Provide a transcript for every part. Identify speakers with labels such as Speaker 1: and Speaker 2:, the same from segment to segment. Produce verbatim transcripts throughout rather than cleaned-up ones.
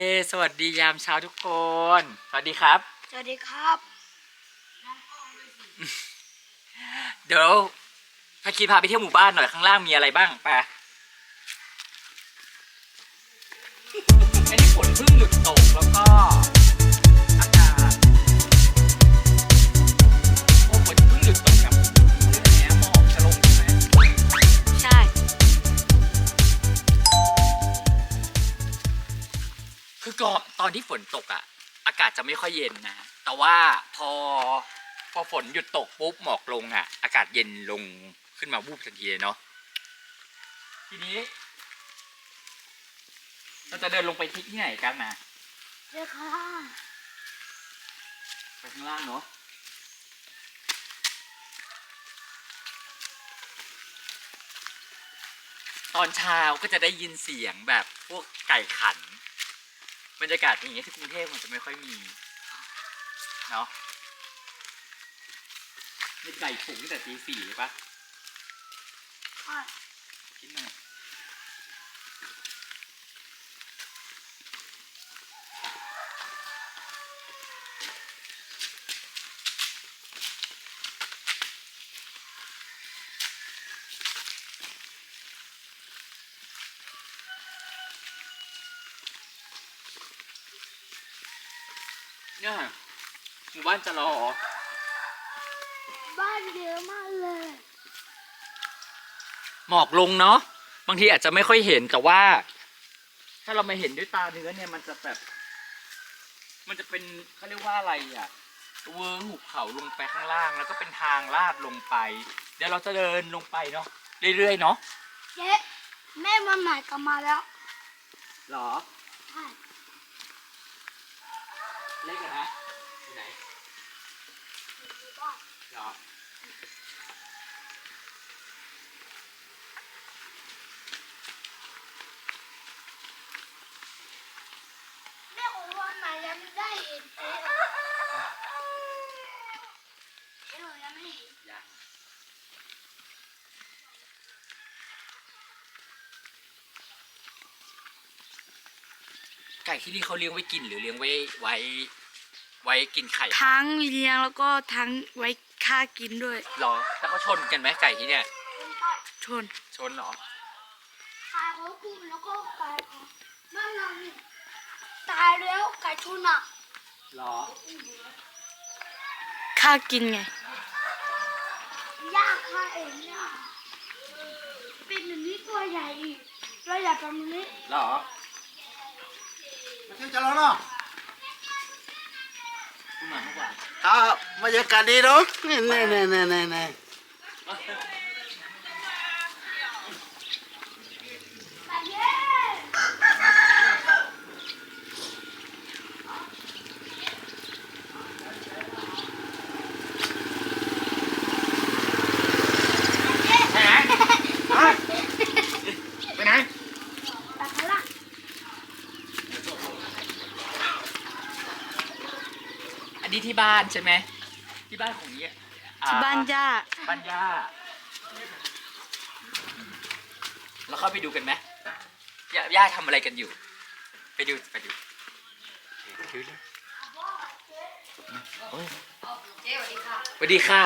Speaker 1: เอสวัสดียามเช้าทุกคน สวัสดีครับ
Speaker 2: สวัสดีครับ
Speaker 1: เดี๋ยวพาคีพาไปเที่ยวหมู่บ้านหน่อยข้างล่างมีอะไรบ้างไปอันนี้ฝนเพิ่งหยุดตกแล้วก็อากาศโอ้ฝนเพิ่งหยุดตกกับเรื่องนี้หมอกจะลงใช่ไหม
Speaker 2: ใช่
Speaker 1: คือก่อนตอนที่ฝนตกอ่ะอากาศจะไม่ค่อยเย็นนะแต่ว่าพอพอฝนหยุดตกปุ๊บหมอกลงอ่ะอากาศเย็นลงขึ้นมาวูบทันทีเลยเนาะทีนี้เราจะเดินลงไปที่ไหนกันนะ
Speaker 2: เจ้าค่ะ
Speaker 1: ไปข้างล่างเนาะตอนเช้าก็จะได้ยินเสียงแบบพวกไก่ขันบรรยากาศอย่างเงี้ยที่กรุงเทพมันจะไม่ค่อยมีเนาะมีไก่ปลุกตั้งแต่ตีสี่เลยปะ
Speaker 2: ค่ะ
Speaker 1: คิดหน่อยเนี่ยหมู่บ้านจะรอ
Speaker 2: บ้านเยอะมากเลย
Speaker 1: หมอกลงเนาะบางทีอาจจะไม่ค่อยเห็นแต่ว่า ถ้าเรามาเห็นด้วยตาเนื้อเนี่ยมันจะแบบ มันจะเป็นเขาเรียกว่าอะไรอ่ะเวิ้งหุบเขาลงไปข้างล่างแล้วก็เป็นทางลาดลงไป เดี๋ยวเราจะเดินลงไปเนาะเรื่อยๆเนาะ
Speaker 2: เจ๊แม่มาใหม่กลับมาแล้ว
Speaker 1: หรอ
Speaker 2: ใช่
Speaker 1: เล็กนะอยู่ไหนหรอ
Speaker 2: แม่ของวันใหม่ยังไม่ได้เห็นเจ๊เจ๊เลยยังไม่เห็น
Speaker 1: ยังไก่ที่นี่เขาเลี้ยงไว้กินหรือเลี้ยงไว้ไว้ไว้กินไข่
Speaker 2: ทั้งเลี้ยงแล้วก็ทั้งไว้ฆ่ากินด้วย
Speaker 1: หรอแล้วเขาชนกันไหมไก่ที่เนี่ย
Speaker 2: ชน
Speaker 1: ชนเหรอ
Speaker 2: ตายเขากุ้งแล้วก็ไก่ของบ้านเราเนี่ยตายแล้วไก่ชนอ่ะ
Speaker 1: หรอ
Speaker 2: ฆ่ากินไงยากฆ่าเองเนี่ยเป็นแบบนี้ตัวใหญ่อีกเราอยากทำแบบนี้
Speaker 1: หรอ
Speaker 3: มาเที่ยวจะร้อนเนาะ
Speaker 1: คุณหมาเมื่อวาน
Speaker 3: ครับบรรยากาศดีเนาะนี่นี่นี่นี่นี่นี่
Speaker 2: ไปเย้
Speaker 1: ไปไหนไปไหน
Speaker 2: ไปข้างล่าง
Speaker 1: อันนี้ที่บ้านใช่ไหมที่บ้านของนี้อ่
Speaker 2: ที่บ้านย่า
Speaker 1: บ้านย่าเราเข้าไปดูกันไหมย่าย่าทำอะไรกันอยู่ ไปดูไปดูดูเลยโอ้ย
Speaker 4: เจ๊สวัสดีค่ะ
Speaker 1: สวัสดีค่ะ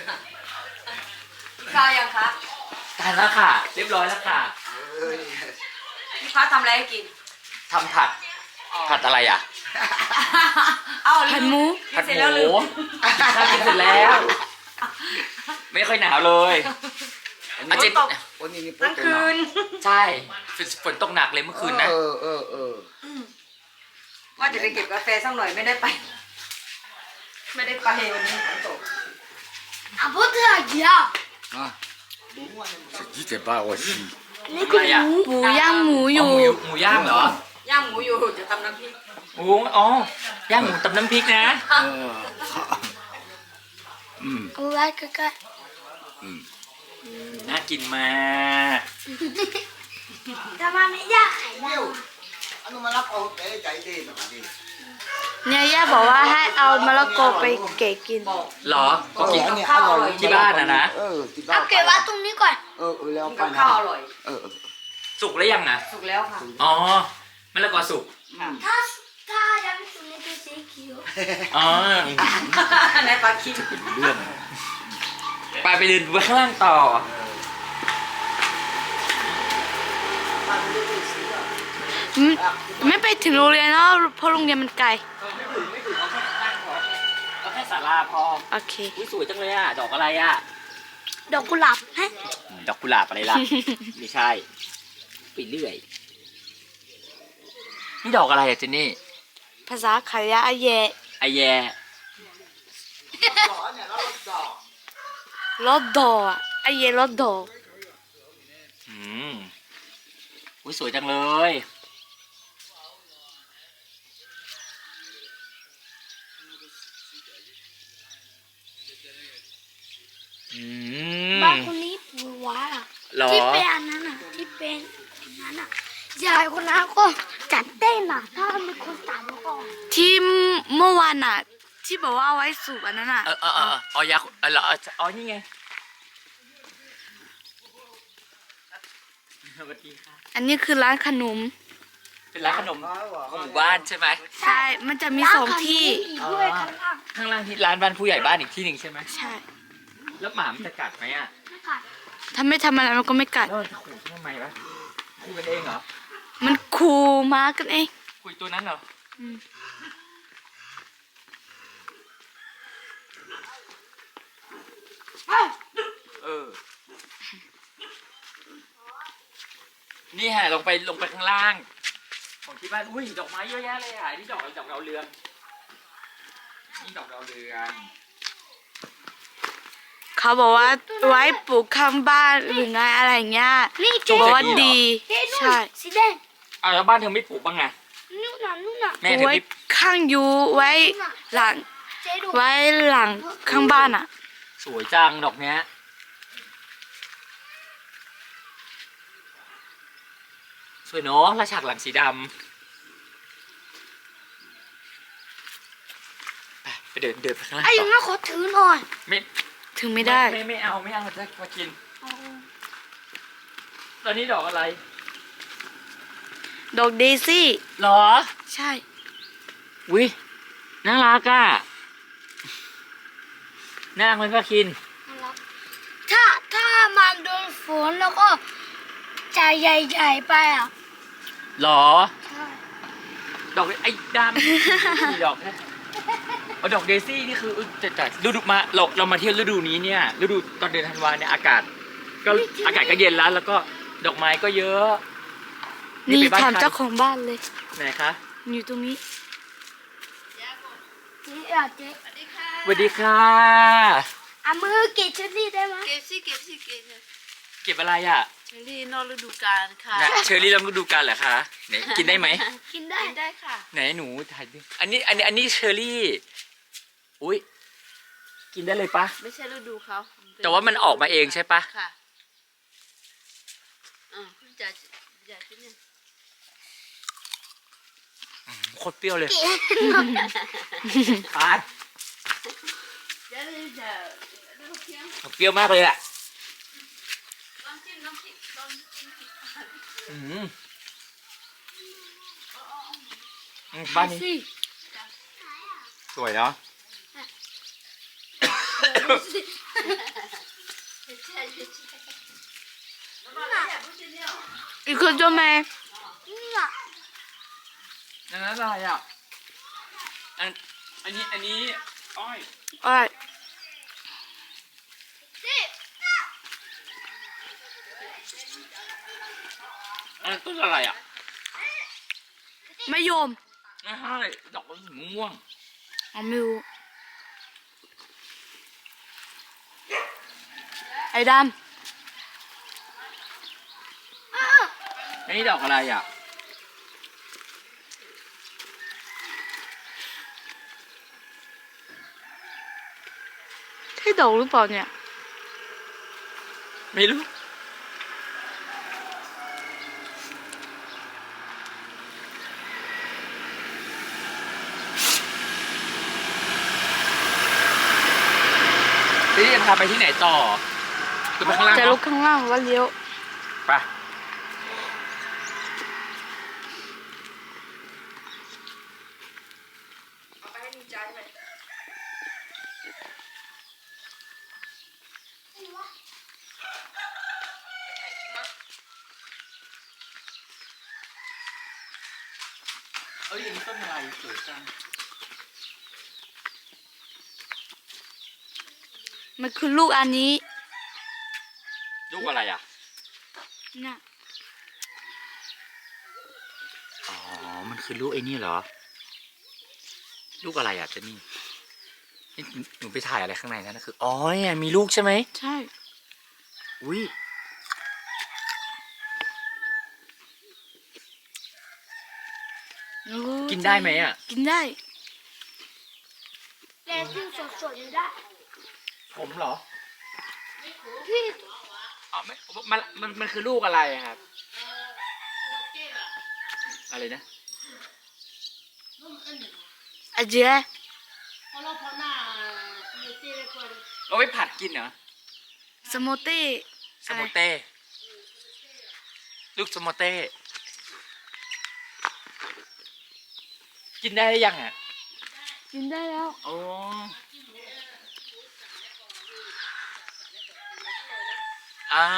Speaker 4: พี่ข้าวยังคะ
Speaker 1: ทานแล้วค่ะ เรียบร้อยแล้วค่ะ
Speaker 4: พี่ข้าวทำอะไรให้กิน
Speaker 1: ทำผัดผัดอะไรอ่ะ
Speaker 4: เอ้า
Speaker 2: ผัดหมู
Speaker 1: ผัด
Speaker 4: เสร็จ
Speaker 1: ห
Speaker 4: แล้ว
Speaker 1: มู
Speaker 4: ลืม
Speaker 1: ข้าวกินเสร็จแล้ว ไม่ค่อยหนาวเลยอาเจน
Speaker 4: ตก
Speaker 3: วันนี้นี่
Speaker 4: ทั้งคืน
Speaker 1: ใช่ฝนตกหนักเลยเมื่อคืนนะ
Speaker 3: เออเออเออ
Speaker 4: ว่าจะไปเก็บกาแฟสักหน่อยไม่ได้ไป ไม่ได้ไปวันนี้ฝนตก
Speaker 2: อ่ะพูดเถอะเดี๋ยว
Speaker 3: อ่ะยี่สิบบ้าวันที่
Speaker 2: นี่คือหมูหมูย่างหมูอยู่
Speaker 1: หมูหมูย่างเหรอย่าง
Speaker 4: หมูอยู่จะทำน้ำพริก
Speaker 1: หมูอ๋อย่างหมูตำน้ำพริกนะ
Speaker 3: เอออืม
Speaker 2: เอาไว้ใกล้
Speaker 3: อืม
Speaker 1: น่ากินมาก
Speaker 2: ๆแต่มันไม่ยากไข่ดาว
Speaker 3: อันนู้นมารับเอาเตะใจดีแบบนี้
Speaker 2: เนี่ยย่าบอกว่าให้เอามะละกอไปเก๋กิน
Speaker 1: เหรอก็กิน
Speaker 3: เออเนี่ยอร่อย
Speaker 1: ที่บ้านนะนะ
Speaker 3: เออที่บ้า
Speaker 2: เอา
Speaker 3: น
Speaker 2: เก็บไว้ตรงนี้ก่อน
Speaker 3: เออเออแล้ว
Speaker 4: กิน
Speaker 3: ไป
Speaker 4: กับ
Speaker 3: นะ
Speaker 4: ข้าวอร่อย
Speaker 3: เออเออ
Speaker 1: สุกแล้วยังนะ
Speaker 4: สุกแล้วค่ะ
Speaker 1: อ๋อมะละกอสุก
Speaker 3: ม
Speaker 2: ถ้าถ้ายังไม่สุดในเป็นสีเขียว
Speaker 1: อ๋อ
Speaker 4: ในปลาคิด
Speaker 1: เรื่องไปไปเดินไปข้างล่างต่อ
Speaker 2: อืมไม่ไปถึงโรงเรียนแล้วเพราะโรงเรียนมันไกล
Speaker 1: ไม่ถึงไม่ถึงเอาแค่ข้างล่างพอเอาแค่ศาลาพอ
Speaker 2: โอเค
Speaker 1: อุ้ยสวยจังเลยอ่ะ ดอกอะไรอ่ะ
Speaker 2: ดอกกุหลาบฮะ
Speaker 1: ดอกกุหลาบอะไรล่ะ ไม่ใช่ไปเรื่อย นี่ดอกอะไรอ่ะเจนนี่
Speaker 2: ภาษาขายะอาเย
Speaker 1: ไอแย
Speaker 2: รถดอกอะอาเยรถดอก
Speaker 1: อืมอุ้ยสวยจังเลย อืม
Speaker 2: บ้านคนนี้ปู่ว้าอะ
Speaker 1: เหรอ
Speaker 2: ที่เป็นอันนั้นอ่ะที่เป็นอันนั้นอ่ะยายคนนั้นก็จัดเต้นอ่ะถ้ามีคนตามแล้วก็ที่เมื่อวานอ่ะ ที่บอกว่าเอาไว้สูบอันนั้นอ่ะ
Speaker 1: เออเออเอออ๋อยาเออเหรออ๋อนี่ไงสวัสดีค่ะ
Speaker 2: อันนี้คือร้านขนม
Speaker 1: เป็นร้านขนมของหมู่บ้านใช่ไหม
Speaker 2: ใช่ มันจะมีสองที่
Speaker 1: อ๋อข้างล่างที่ร้านบ้านผู้ใหญ่บ้านอีกที่หนึ่งใช่ไหม
Speaker 2: ใช่
Speaker 1: แล้วหมามันจะกัดไหมอ่ะ
Speaker 2: ถ้าไม่ทำอะไรมันก็ไม่กัด
Speaker 1: แล้วมันจะขู่ทำไมวะขู่กันเองเหรอ
Speaker 2: มันคูมากันเอง
Speaker 1: คุยตัวนั้นเหรอ
Speaker 2: อืม
Speaker 1: เออ นี่ฮะลงไปลงไปข้างล่าง ของที่บ้าน อุ้ยดอกไม้เยอะแยะเลยอ่ะนี่ดอกอะไรดอกดาวเรืองนี่ดอกดาวเรือง
Speaker 2: เขาบอกว่าไว้ปลูกข้างบ้านหรือไงอะไรเงี้ย
Speaker 1: นี่
Speaker 2: บอกว่าดี ใช่
Speaker 5: สีแดง
Speaker 1: อ้าวแล้วบ้านเธอไม่ปลูกบ้างไง
Speaker 5: นู่นน่ะนู่นน่ะ
Speaker 1: แม่เธอ
Speaker 2: ไว้
Speaker 1: ไม่
Speaker 2: ข้างยูไว้หลัง
Speaker 5: เจ๊ดู
Speaker 2: ไว้หลังข้างบ้านอ่ะ
Speaker 1: สวยจังดอกเนี้ย สวยเนาะแล้วฉากหลังสีดำไปไปเดินเดินไปข้างล่าง
Speaker 5: ไอ้อ
Speaker 1: ต่
Speaker 5: ยัง
Speaker 1: อ
Speaker 5: งั้นขอถือหน่อย
Speaker 1: ไม่
Speaker 2: ถึงไม่ได้
Speaker 1: ไม่ไม่เอาไม่เอาจะมากิน ตอนนี้ดอกอะไร
Speaker 2: ดอกเดซี่
Speaker 1: หรอ
Speaker 2: ใช่
Speaker 1: วิน่ารักอ่ะน่ารักไหมป้าคิน
Speaker 5: ถ้าถ้ามันโดนฝนแล้วก็จะใหญ่ๆไปอ่ะ
Speaker 1: หรอ
Speaker 5: ใช่
Speaker 1: ดอกไอ้ดำมีดอกนะเอาดอกเดซี่นี่คือแต่แต่ฤดูมาเราเรามาเที่ยวฤดูนี้เนี่ยฤดูตอนเดือนธันวาเนี่ยอากาศ ก็อากาศก็เย็นแล้ว แล้วก็ดอกไม้ก็เยอะ
Speaker 2: นี่
Speaker 1: ไปบ้
Speaker 2: ถาม
Speaker 1: ใคร
Speaker 2: เจ้าของบ้านเลย
Speaker 1: ไหนคะ
Speaker 2: อยู่ตรงนี้
Speaker 5: นี่อ่ะเจ๊
Speaker 1: สวัสดีค่ะ
Speaker 5: เอามือเกะชุดนี้ได้ไหม
Speaker 4: เก็บสิเก็บสิเก็บสิ
Speaker 1: เก็บอะไรอ่ะ
Speaker 4: เชอรี่นอกฤดูกาลค่ะ
Speaker 1: น่ะเชอรี่ลองดูกันเหรอคะไหนกินได้ไหม
Speaker 5: กินได้
Speaker 4: กินได้ค่ะ
Speaker 1: ไหนหนูถ่ายดิอันนี้อันนี้อันนี้เชอรี่อุ้ยกินได้เลยปะ
Speaker 4: ไม่ใช่ฤดูเขา
Speaker 1: แต่ว่ามันออกมาเองใช่ปะ
Speaker 4: ค่ะอ่าคุณจ๋าอยากกินเนี่ย
Speaker 1: โคตรเปรี้ยวเลยปาด
Speaker 4: เดี๋ยวเดี๋ยวเดี๋ยวเพียง
Speaker 1: เปรี้ยวมากเลยอ่ะ
Speaker 4: ลองจิ้มน้ำพริกลองจิ้มพริก
Speaker 1: อืมอืมบ้านนี้
Speaker 2: สิ
Speaker 1: สวยเนาะ
Speaker 2: อีกคนจะมา
Speaker 5: นี่อ่ะ
Speaker 1: อันนั้นอะไรอ่ะอันอันนี้อันนี้อ้อย
Speaker 2: อ้อย
Speaker 1: อันนั้นต้นอะไรอ่ะ
Speaker 2: มะยม
Speaker 1: ไม่ใช่ดอกสีม่วง
Speaker 2: อ๋อไม่รู้ไอ้ด
Speaker 1: อันนี้ดอกอะไรอ่ะ
Speaker 2: ำใช่ดอกหรือเปล่าเนี่ย
Speaker 1: ไม่รู้ทีนี้จะพาไปที่ไหนต่อคือไปข้างล่าง
Speaker 2: จะ
Speaker 1: เน
Speaker 2: ลุ
Speaker 1: อะ
Speaker 2: กข้างล่างว่าเลี้ยว
Speaker 1: ไปเอ้ยอันนี้ต้นอะไรสวยจัง
Speaker 2: มันคือลูกอันนี้
Speaker 1: ลูกอะไรอ่ะ
Speaker 2: น่ะ
Speaker 1: อ๋อ มันคือลูกไอ้นี่เหรอ ลูกอะไรอ่ะเจนนี่นี่หนูไปถ่ายอะไรข้างในนั่นนะคือ อ๋อเนี่ยมีลูกใช่ไหม
Speaker 2: ใช่
Speaker 1: อุ้ย
Speaker 2: แล้ว
Speaker 1: กินได้ไหมอ่ะ
Speaker 2: กินได้
Speaker 5: แต่ที่สดๆอยู่ได้
Speaker 1: ผมเหรอ
Speaker 5: พี่
Speaker 1: อ๋อไม่มันมันมันคือลูกอะไรอะครับ อะไรนะ
Speaker 2: อาเจีย
Speaker 1: เอาไว้ผัดกินเหรอ
Speaker 2: สโมเต้
Speaker 1: สโมเต้ลูกสโมเต้กินได้หรือยังอ่ะ
Speaker 2: กินได้แล้ว
Speaker 1: อ๋ออ่า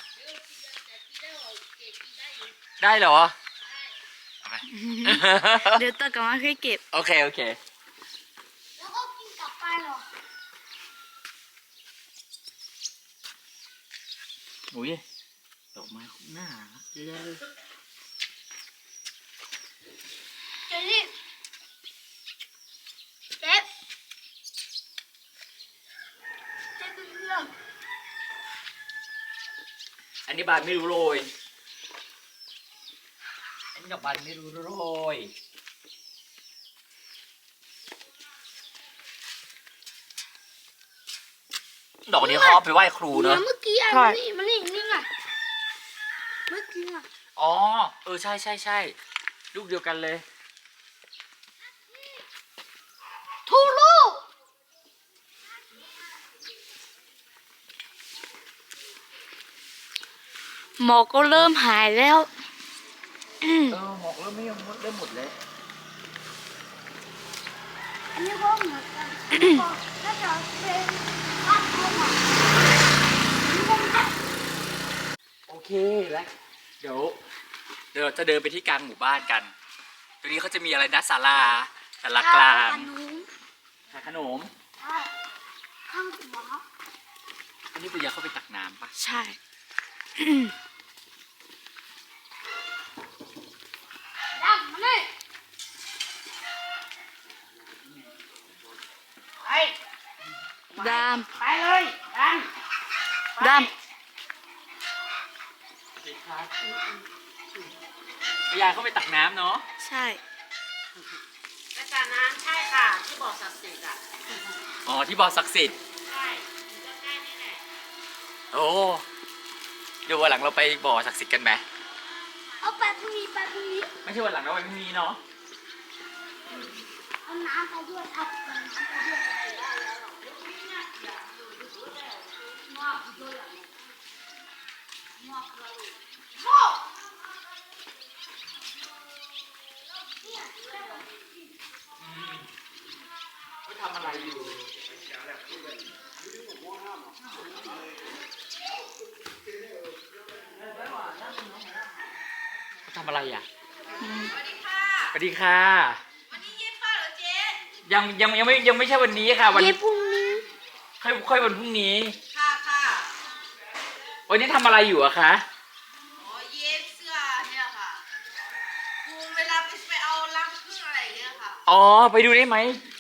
Speaker 1: ได้เหรอเอาไป
Speaker 2: เดี๋ยวตากลับมาค่อยเก็บ
Speaker 1: โอเค โอเค
Speaker 5: แล้วก็กินกลับไปเหรอ
Speaker 1: อุ้ยดอกไม้หน้ารักเยอะเลย
Speaker 5: เจนนี่เจ๊เจ๊เป็นเรื่อง
Speaker 1: อันนี้บานไม่รู้โรย อันนี้ดอกบานไม่รู้โรย ดอกนี้เขาเอาไปไหว้ครูเน
Speaker 5: เนี่
Speaker 1: อะ
Speaker 5: ยเมื่อกี้อัน
Speaker 2: ใช่
Speaker 5: นี้มันนี่นี่ไงเมื่อกี้อ่ะ
Speaker 1: อ๋อ เออ ใช่ใช่ใช่ลูกเดียวกันเลย
Speaker 5: ทูลูก
Speaker 2: หมอกก็เริ่มหายแล้ว
Speaker 1: เออหมอกเริ่มไม่ยังเริ่มหมดเลย
Speaker 5: อันนี้ก็เหมือนกันน่าจะเป็นบ้านเขาอ่ะนี่ก็ไม่
Speaker 1: โอเคแล้วเดี๋ยว เดี๋ยวเราจะเดินไปที่กลางหมู่บ้านกันตรงนี้เขาจะมีอะไรนะศาลาศาลากลาง
Speaker 5: ขนม
Speaker 1: ขายขนม
Speaker 5: ใช่ข้างหัว
Speaker 1: อันนี้คุณยายเข้าไปตักน้ำปะ
Speaker 2: ใช่
Speaker 5: ดังมาเลย
Speaker 2: ดาม
Speaker 5: ไปเลยดัง
Speaker 2: ดาม
Speaker 1: ยายเข้าไปตักน้ำเนาะ
Speaker 2: ใช่
Speaker 4: อาจารย์น้ำใช่ค่ะ ที่บอกศักดิ์สิทธิ์อ่ะ
Speaker 1: อ๋อ ที่บ่อศักดิ์สิทธิ์
Speaker 4: ใช่อยู่ใกล้ๆนี่แหละ
Speaker 1: โอ้เดี๋ยววันหลังเราไปบ่อศักดิ์สิทธิ์กันไหม
Speaker 5: เอาไปพรุ่งนี้ไปพรุ่งนี้
Speaker 1: ไม่ใช่วันหลังเราไปพรุ่งนี้เนาะ
Speaker 5: เอาน้ำไปด้วยเอาน้ำไปด้วยโอ้
Speaker 1: เขาทำอะไรอยู่เขาทำอะไรอ่ะ
Speaker 4: สวัสดีค่ะ
Speaker 1: สวัสดีค่ะ
Speaker 4: วันนี้เย็บผ้าเหรอเจ๊
Speaker 1: ยังยังยังไม่ยังไม่ใช่วันนี้ค่ะ วัน
Speaker 5: เย็บพรุ่งนี้
Speaker 1: ค่อยค่อยวันพรุ่งนี้
Speaker 4: ค่ะค่ะ
Speaker 1: วันนี้ทำอะไรอยู่อะคะ
Speaker 4: อ๋อเย็บเสื้อเนี่ยค่ะครูเวลาไปไปเอารังผึ้งอะไรอย่างเงี้ยค่ะ
Speaker 1: อ๋อ ไปดูได้ไหม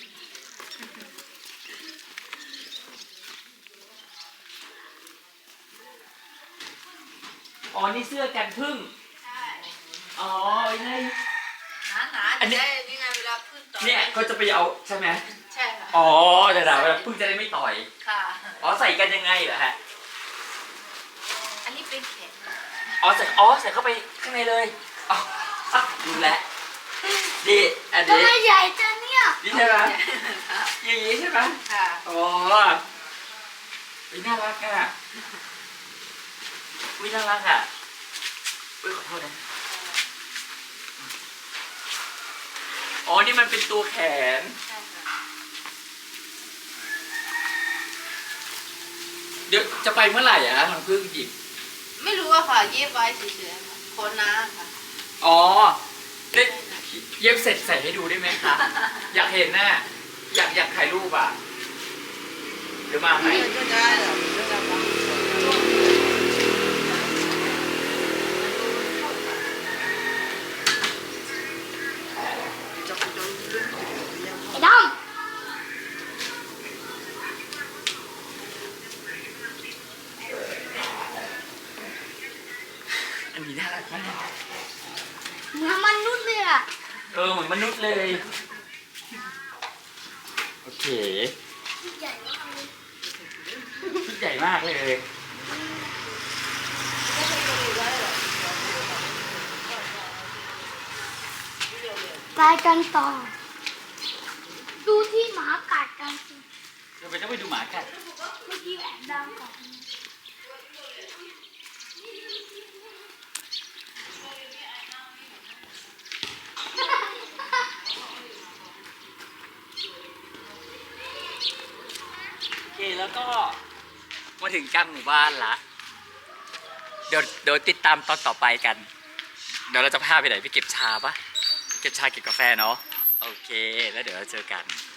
Speaker 1: อ๋อ นี่เสื้อกันพึ่ง
Speaker 4: ใช่
Speaker 1: อ๋อไอ้นี่
Speaker 4: หนาหนา
Speaker 1: อันนี้
Speaker 4: จะได้นี่ไงเวลาผึ้งต่อย
Speaker 1: เนี่ยเขาจะไปเอาใช่ไหม
Speaker 4: ใช่ค่ะ
Speaker 1: อ๋อแต่ดาเวลาพึ่งจะได้ไม่ต่อย
Speaker 4: ค่ะ
Speaker 1: อ๋อ ใส่กันยังไงเหรอฮะ
Speaker 4: อันนี้เป็นแขน
Speaker 1: อ๋อ ใส่ อ๋อ ใส่เข้าไปข้างในเลยอ๋ออ่ะดูแลวดีอัน
Speaker 5: ทำ
Speaker 1: นี้
Speaker 5: ไมใหญ่จังเนี่ย
Speaker 1: นี่ใช่ไหมอย่างนี้ใช่ไหม
Speaker 4: ค่ะ
Speaker 1: อ๋อวิน่ารักอ่ะวิน่ารักอ่ะอุ้ยขอโทษนะ อ๋อ นี่มันเป็นตัวแขน
Speaker 4: ใช่ค่ะ
Speaker 1: เดี๋ยวจะไปเมื่อไหร่อ่ะมันเพิ่งหยิบ
Speaker 4: ไม่รู้อะค่ะเย็บไว้เฉยๆค่ะโคนน้าค่ะ
Speaker 1: อ๋อได้เย็บเสร็จใส่ให้ดูได้ไหมคะ อยากเห็นน่ะ อยากอยากถ่ายรูปอ่ะ เดี๋ยวมาไหม
Speaker 4: 就该了，就该帮。
Speaker 5: ไอ้ดอม
Speaker 1: อันนี้น่ารักมาก
Speaker 5: เหมือนมนุษย์เลยอ่ะ
Speaker 1: เออเหมือนมนุษย์เลย โอเค
Speaker 5: ใหญ่มากเลย
Speaker 1: ชุดใหญ่มากเลย
Speaker 5: ไปกันต่อ ดูที่หมากัดกันสิ
Speaker 1: เราไปต้องไปดูหมากัด
Speaker 5: เมื่อกี้แอบดังก่อน
Speaker 1: โอเคแล้วก็มาถึงกลางหมู่บ้านละ เดี๋ยวเดี๋ยวติดตามตอนต่อไปกัน เดี๋ยวเราจะพาไปไหนไปเก็บชาปะเก็บชาเก็บกาแฟเนาะ โอเค แล้วเดี๋ยวเราเจอกัน